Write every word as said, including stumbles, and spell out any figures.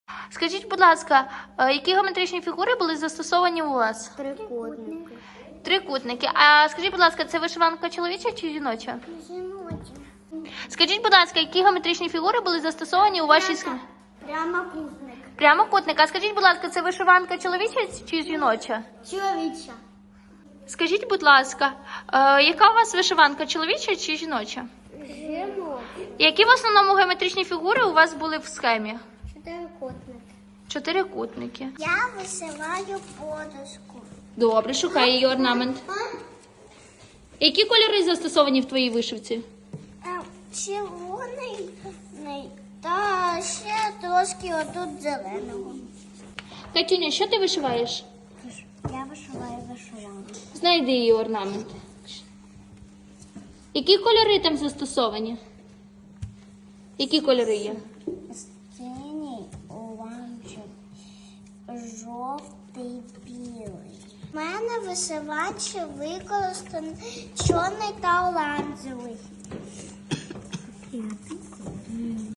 Скажіть, будь ласка, е, які геометричні фігури були застосовані у вас? Трикутники. Трикутники. А скажіть, будь ласка, це вишиванка чоловіча чи жіноча? Жіночі. Скажіть, будь ласка, які геометричні фігури були застосовані у вашій схемі? Прямокутник. Прямокутник. А скажіть, будь ласка, це вишиванка чоловіча чи жіноча? Чоловіча. Скажіть, будь ласка, е, яка у вас вишиванка чоловіча чи жіноча? Жіноча. Які в основному геометричні фігури у вас були в схемі? Чотирикутник. Чотирикутники. Я висилаю подушку. Добре, шукай її орнамент. Які кольори застосовані в твоїй вишивці? Червоний та ще трошки отут зеленого. Катюня, що ти вишиваєш? Я вишиваю вишиванку. Знайди її орнамент. Які кольори там застосовані? Які кольори є? Синій, оранжевий, жовтий, білий. У мене вишивач використаний чорний та оранжевий.